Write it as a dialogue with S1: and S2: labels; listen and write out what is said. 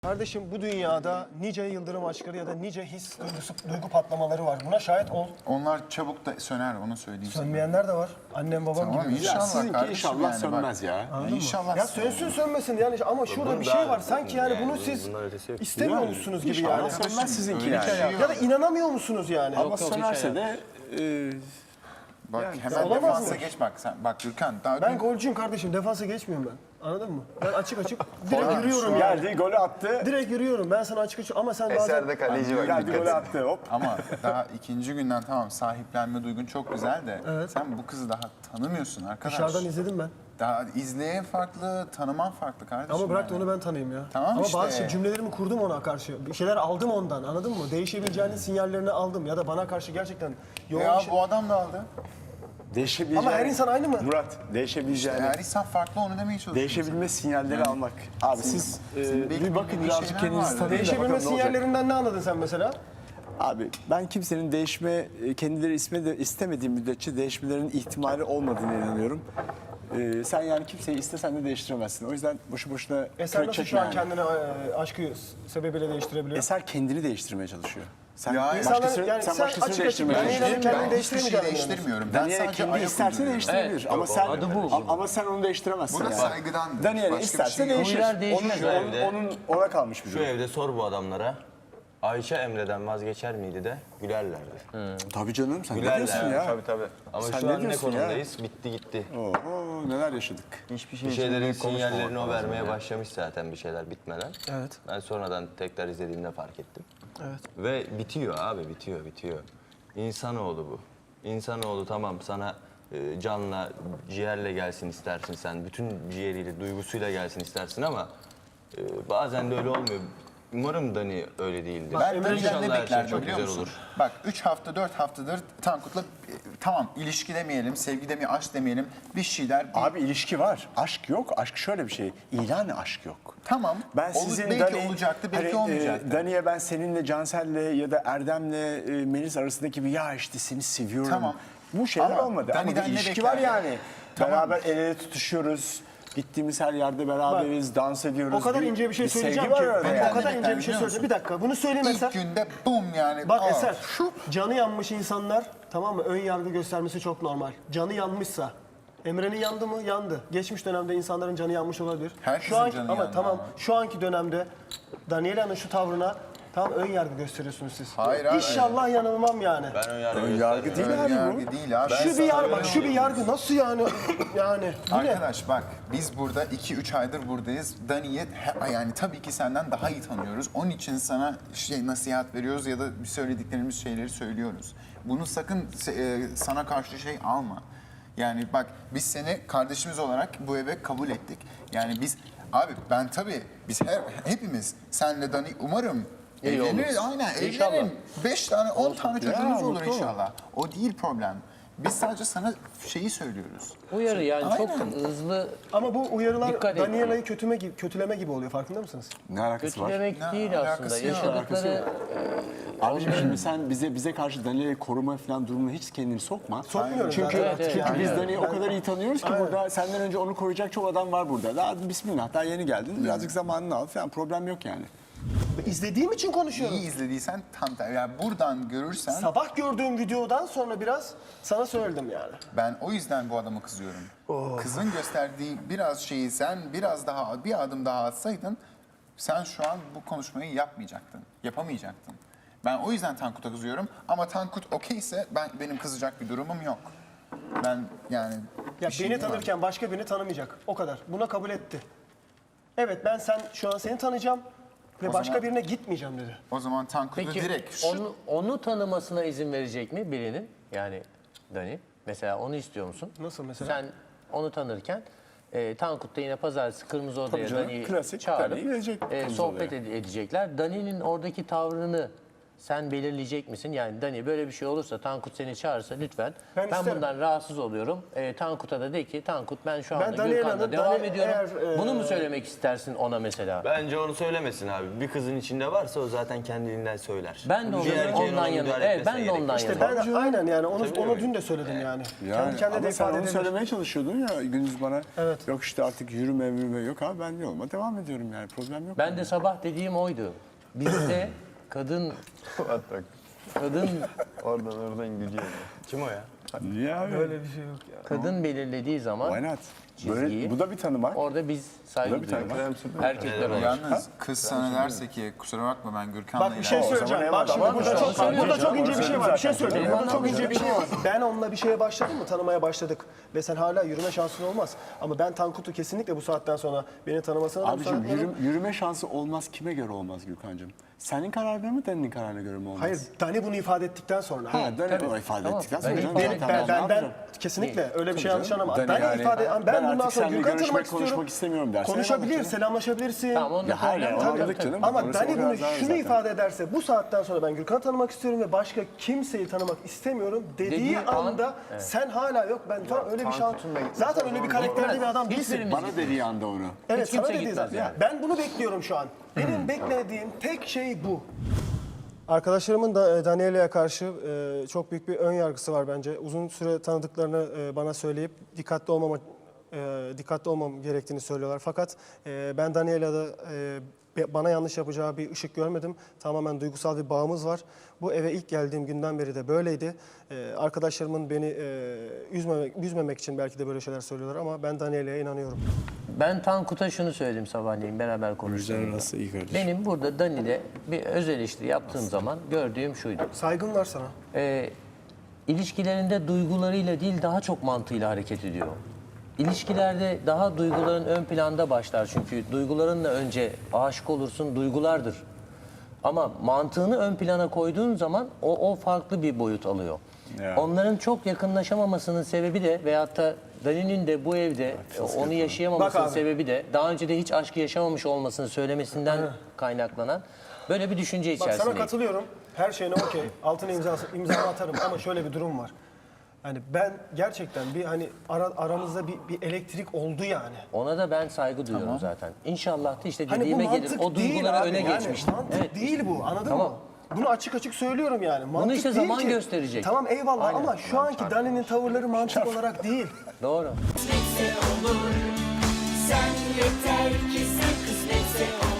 S1: Kardeşim bu dünyada nice yıldırım aşkları ya da nice his duygu patlamaları var. Buna şahit ol.
S2: Onlar çabuk da söner, onu söyleyeyim sana.
S1: Sönmeyenler de var. Annem babam
S2: Tamam,
S1: gibi.
S2: inşallah
S3: Sizinki
S2: kardeşim
S3: inşallah
S2: yani,
S3: sönmez
S2: bak.
S3: ya.
S1: Anladın mı?
S2: İnşallah
S1: Ya sönsün sönmesin yani ama şurada bir şey var. Sanki yani bunu siz istemiyormuşsunuz gibi
S3: İnşallah
S1: yani.
S3: sönmez sizinki
S2: öyle
S3: yani.
S2: bir şey yok.
S1: Ya da inanamıyor musunuz yani?
S3: Ama sönerse de
S2: Bak
S3: Yani
S2: hemen
S1: olamaz
S2: defansa
S1: mı?
S2: geç bak sen. Bak Gürkan daha
S1: Ben
S2: dün
S1: golcüyüm kardeşim. Defansa geçmiyorum ben. Anladın mı? Ben açık direkt yürüyorum yani.
S3: geldi, golü attı.
S1: Direkt yürüyorum. Ben sana açık ama sen bazen...
S4: Eserde kaleci var.
S3: Geldi, golü attı. Hop.
S2: ama daha ikinci günden tamam sahiplenme duygun çok güzel de sen bu kızı daha tanımıyorsun arkadaş.
S1: Dışarıdan izledim ben.
S2: Daha izleyen farklı, tanıman farklı kardeşim.
S1: Ama bırak da
S2: yani.
S1: onu ben tanıyayım ya.
S2: Tamam
S1: ama
S2: işte.
S1: bazı cümlelerimi kurdum ona karşı. Bir şeyler aldım ondan anladın mı? Değişebileceğinin sinyallerini aldım. Ya da bana karşı gerçekten yoğun
S2: Ya
S1: bir şey...
S2: bu adam da aldı.
S3: Değişebileceğini...
S1: Ama her insan aynı mı?
S3: Murat, değişebileceğini...
S2: Her insan farklı onu demeye çalışıyor.
S3: Değişebilme sinyalleri almak. Abi siz bir bakın
S2: bilmediğin
S3: birazcık
S2: şeyler
S3: kendinizi
S2: vardır.
S3: tanıyın da
S1: Değişebilme
S3: bakalım ne olacak.
S1: sinyallerinden ne anladın sen mesela?
S3: Abi ben kimsenin kendileri istemediği müddetçe değişmelerinin ihtimali olmadığına inanıyorum. Sen yani kimseyi istesen de değiştiremezsin. O yüzden boşu boşuna
S1: Eser
S3: kürek
S1: nasıl
S3: çekme
S1: şu an
S3: yani.
S1: kendini aşkı sebebiyle değiştirebiliyor?
S3: Eser kendini değiştirmeye çalışıyor. Sen
S2: Ya
S3: başkasını,
S1: yani
S3: sen
S1: sen
S3: başkasını
S1: açık
S3: değiştirmeye
S1: açık
S3: çalışıyorsun.
S1: kendini
S2: Ben hiçbir şey
S1: değiştiremeyeceğim
S2: değiştirmiyorum. Ben
S3: Daniel'e
S2: sadece
S3: kendi
S2: ayak
S3: isterse
S2: uyduruyorum.
S3: değiştirebilir. Ama sen ama sen onu değiştiremezsin
S2: Bu da
S3: yani.
S2: saygıdandır.
S3: Daniel'e
S2: Başka bir
S3: isterse
S2: şey yok.
S3: değişir.
S5: Huylar değişmez evde.
S3: Onun ona kalmış bir
S5: Şu
S3: durum.
S5: evde sor bu adamlara. Ayşe Emre'den vazgeçer miydi de gülerlerdi.
S3: Tabii canım sen ne
S5: Gülerler.
S3: diyorsun ya?
S5: Tabii. Ama
S3: Sen
S5: şu
S3: ne
S5: an ne
S3: diyorsun ya?
S5: konumdayız? Bitti gitti.
S3: Oo, neler yaşadık.
S4: Hiçbir şey
S5: Bir
S4: için
S5: şeylerin
S4: büyük konuşmamak
S5: sinyallerini o
S4: lazım
S5: vermeye
S4: ya.
S5: başlamış zaten bir şeyler bitmeden.
S1: Evet.
S5: Ben sonradan tekrar izlediğimde fark ettim.
S1: Evet.
S5: Ve bitiyor abi bitiyor. İnsanoğlu bu. İnsanoğlu tamam sana canla, ciğerle gelsin istersin sen. Bütün ciğeriyle, duygusuyla gelsin istersin ama bazen de öyle olmuyor. Umarım Dani öyle değildir.
S2: Ben Dani'den
S5: İnşallah
S2: ne
S5: her şey
S2: beklerdim
S5: çok
S2: biliyor
S5: güzel
S2: musun?
S5: olur.
S2: Bak 3 hafta 4 haftadır Tankut'la tamam ilişki demeyelim, sevgi demeyelim, aşk demeyelim bir şeyler.
S3: Abi ilişki var. Aşk yok. Aşk şöyle bir şey. İlan aşk yok.
S2: Tamam.
S3: Ben sizin
S2: belki
S3: Dani,
S2: olacaktı, belki
S3: hani,
S2: olmayacaktı.
S3: Dani'ye ben seninle Cansel'le ya da Erdem'le Melis arasındaki bir ya işte seni seviyorum.
S2: Tamam.
S3: Bu şeyler
S2: Ama
S3: olmadı. Ama
S2: Dani'den
S3: bir
S2: ne
S3: ilişki
S2: bekler
S3: var yani.
S2: Tamam.
S3: Beraber el ele tutuşuyoruz. Gittiğimiz her yerde beraberiz, dans ediyoruz.
S1: O kadar ince bir şey söyleyeceğim
S3: sevgi
S1: ki.
S3: var orada
S1: O
S3: yani.
S1: kadar ince bir şey söyleyeceğim. Bir dakika bunu söyleyeyim Eser.
S2: İlk günde bum yani.
S1: Bak
S2: aa,
S1: Eser, canı yanmış insanlar tamam mı? Ön yargı göstermesi çok normal. Canı yanmışsa, Emre'nin yandı mı? Yandı. Geçmiş dönemde insanların canı yanmış olabilir.
S2: Herkesin
S1: şu anki,
S2: canı
S1: ama
S2: yandı
S1: tamam,
S2: ama.
S1: şu anki dönemde Daniela'nın şu tavrına tam ön yargı gösteriyorsunuz siz.
S2: Hayır abi.
S1: İnşallah yanılmam yani.
S5: Ben ön yargı
S3: Ön yargı
S5: göstermiyorum.
S3: değil
S2: Ön
S3: abi bu.
S2: yargı değil abi.
S1: Şu bir yargı, bak şu bir yargı nasıl yani? Yani bu ne?
S2: Arkadaş bak biz burada 2-3 aydır buradayız. Dani'yi yani tabii ki senden daha iyi tanıyoruz. Onun için sana nasihat veriyoruz ya da söylediklerimiz şeyleri söylüyoruz. Bunu sakın sana karşı şey alma. Yani bak biz seni kardeşimiz olarak bu eve kabul ettik. Yani biz abi ben tabii biz hepimiz senle Dani umarım evleniriz. Aynen evlenin. 5 tane 10 tane çocuğumuz olur
S3: mutlu olun.
S2: inşallah. O değil problem. Biz sadece sana şeyi söylüyoruz.
S6: Uyarı yani çok
S2: Aynen.
S6: hızlı
S1: Ama bu uyarılar
S6: Dikkat et.
S1: Daniela'yı kötüleme gibi oluyor farkında mısınız?
S3: Ne alakası var?
S6: kötülemek
S2: Ne
S6: değil
S2: alakası
S6: aslında.
S2: yok.
S6: Yaşadıkları
S3: Abiciğim şimdi sen bize karşı Daniel'i koruma falan durumuna hiç kendini sokma.
S1: Sokmuyorum
S3: Çünkü,
S1: zaten.
S6: Evet, evet.
S3: çünkü biz
S1: Yani
S3: Dani'yi o kadar iyi tanıyoruz ki
S1: Aynen.
S3: burada senden önce onu koruyacak çok adam var burada. Daha bismillah daha yeni geldin. Birazcık zamanını al falan problem yok yani.
S1: İzlediğim için konuşuyorum.
S2: İyi izlediysen tam tersi. Yani buradan görürsen
S1: Sabah gördüğüm videodan sonra biraz sana söyledim yani.
S2: ben o yüzden bu adama kızıyorum. Kızın gösterdiği biraz şeyi sen biraz daha bir adım daha atsaydın sen şu an bu konuşmayı yapmayacaktın. Yapamayacaktın. Ben o yüzden Tankut'a kızıyorum ama Tankut okeyse benim kızacak bir durumum yok. Ben yani
S1: Ya
S2: bir şey
S1: beni
S2: diyemem.
S1: tanırken başka birini tanımayacak. O kadar. Buna kabul etti. Evet ben şu an seni tanıyacağım ve
S2: O
S1: başka
S2: zaman-
S1: birine gitmeyeceğim dedi.
S2: O zaman Tankut'u
S6: peki
S2: direkt
S6: onu tanımasına izin verecek mi birinin? Yani Dani mesela onu istiyor musun?
S1: Nasıl mesela?
S6: Sen onu tanırken Tankut'ta yine pazartesi Kırmızı Oda'ya
S3: canım,
S6: Dani'yi
S3: klasik
S6: çağırıp
S3: Dani gelecek Kırmızı
S6: sohbet
S3: Oda'ya.
S6: edecekler. Dani'nin oradaki tavrını sen belirleyecek misin? Yani Dani böyle bir şey olursa, Tankut seni çağırsa lütfen.
S1: Ben
S6: Ben
S1: isterim.
S6: bundan rahatsız oluyorum. Tankut'a da de ki Tankut ben şu
S1: Ben
S6: anda
S1: Dani'ye
S6: Gürkan'la
S1: inanırım.
S6: devam
S1: Dani
S6: ediyorum.
S1: eğer,
S6: Bunu mu söylemek istersin ona mesela?
S5: Bence onu söylemesin abi. Bir kızın içinde varsa o zaten kendiliğinden söyler.
S6: Ben de
S5: Bir erkeğin
S6: ondan
S5: ona
S6: yanayım.
S5: müdahale
S6: Evet,
S5: etmesine
S6: ben de
S5: gerek yok.
S6: ondan
S1: İşte
S6: yanayım.
S1: ben aynen yani onu
S5: Tabii.
S1: dün de söyledim yani.
S3: Yani,
S1: Kendi kendine
S3: ama
S1: de
S3: sen
S1: ifade
S3: onu
S1: edilir.
S3: söylemeye çalışıyordun ya Gündüz bana.
S1: Evet.
S3: Yok işte artık yürüme yok abi ben yoluma devam ediyorum yani problem yok.
S6: Ben de sabah dediğim oydu. Bizde kadın
S5: Oradan gidiyor. Kim o ya?
S3: Niye abi?
S6: kadın belirlediği zaman
S3: Why not?
S6: çizgiyi.
S3: Böyle, bu da bir tanımak.
S6: orada biz saygı
S3: Bu da bir tane
S6: duyuyoruz. Erkekler olarak.
S2: Yalnız kız sana derse ki kusura bakma ben Gürkan'la
S1: Bak bir şey
S2: ilerliyorum."
S1: söyleyeceğim. Bak şimdi burada çok ince bir şey var. Bir şey söyleyeceğim. Burada çok ince bir şey var. Ben onunla bir şeye başladım mı? Tanımaya başladık. Ve sen hala yürüme şansın olmaz. Ama ben Tankut'u kesinlikle bu saatten sonra beni tanımasına da
S3: Abicim
S1: müsaade etmem.
S3: yürüme şansı olmaz kime göre olmaz Gürkan'cığım? Senin kararına mı Dani'nin kararına göre mi olmaz?
S1: Hayır, Dani bunu ifade ettikten sonra.
S3: Ha, Dani
S6: tabii.
S3: o ifade
S6: Tamam.
S3: ettikten sonra.
S6: Ben-
S3: canım,
S6: benim-
S3: zaten
S1: Ben
S3: yapacağım.
S1: kesinlikle öyle bir şey yanlış
S3: canım.
S1: anlama.
S3: Dani
S1: Dani
S3: yani,
S1: ifade
S3: ben
S1: ben bundan
S3: artık
S1: sonra
S3: seninle
S1: Gürkan'ı
S3: görüşmek,
S1: tanımak istiyorum.
S3: konuşmak istemiyorum dersen
S1: Konuşabilir,
S3: eyvallah canım.
S1: selamlaşabilirsin.
S6: Tamam, onda
S3: Ya hayır,
S6: problem
S3: onu
S6: yok.
S3: anladık canım.
S1: Ama
S3: Orası
S1: Dani
S3: o
S1: bunu
S3: kadar
S1: şunu
S3: zaten.
S1: ifade ederse bu saatten sonra ben Gürkan'ı tanımak istiyorum ve başka kimseyi tanımak istemiyorum dediği
S6: Dediği an-
S1: anda sen hala yok ben falan öyle bir şans. Zaten öyle bir karakterde bir adam değilsin.
S6: Hiçbirimiz
S3: Bana dediği anda onu.
S1: Evet
S6: Hiç
S1: sana
S6: kimse
S1: dediği
S6: gitmez
S1: zaten.
S6: yani.
S1: Ben bunu bekliyorum şu an. Benim beklediğim tek şey bu. Arkadaşlarımın da Daniela'ya karşı çok büyük bir ön yargısı var bence. Uzun süre tanıdıklarını bana söyleyip dikkatli olmam gerektiğini söylüyorlar. Fakat ben Daniela'da bana yanlış yapacağı bir ışık görmedim. Tamamen duygusal bir bağımız var. Bu eve ilk geldiğim günden beri de böyleydi. Arkadaşlarımın beni üzmemek için belki de böyle şeyler söylüyorlar ama ben Daniela'ya inanıyorum.
S6: Ben Tankut'a şunu söyledim sabahleyin beraber konuştuğumuzda.
S3: arası iyi kardeşim.
S6: Benim burada Dani'de bir öz eleştiri yaptığım zaman gördüğüm şuydu.
S1: Saygım var sana.
S6: İlişkilerinde duygularıyla değil daha çok mantığıyla hareket ediyor. İlişkilerde daha duyguların ön planda başlar çünkü duygularınla önce aşık olursun duygulardır. Ama mantığını ön plana koyduğun zaman o farklı bir boyut alıyor.
S3: Ya.
S6: Onların çok yakınlaşamamasının sebebi de veyahut da Dani'nin de bu evde onu yaşayamamasının
S1: Bak abi.
S6: sebebi de daha önce de hiç aşkı yaşamamış olmasını söylemesinden kaynaklanan böyle bir düşünce
S1: Bak sana
S6: içerisindeyim.
S1: katılıyorum. Her şeyine okey. Altına imzamı atarım ama şöyle bir durum var. Yani ben gerçekten bir hani aramızda bir elektrik oldu yani.
S6: Ona da ben saygı duyuyorum zaten. İnşallah da işte
S1: Hani bu
S6: dediğime gelir.
S1: mantık
S6: O
S1: değil
S6: duyguları
S1: abi.
S6: öne
S1: Yani
S6: geçmiştim.
S1: mantık
S6: Evet.
S1: değil bu. Anladın
S6: Tamam.
S1: mı? Bunu açık açık söylüyorum yani. Mantık
S6: işte
S1: değil
S6: zaman
S1: ki.
S6: gösterecek.
S1: Tamam eyvallah
S6: Aynen.
S1: ama şu anki Dani'nin tavırları mantık olarak değil.
S6: Doğru.
S4: Kısmetse olur. Sen yeter ki sen kısmetse olur.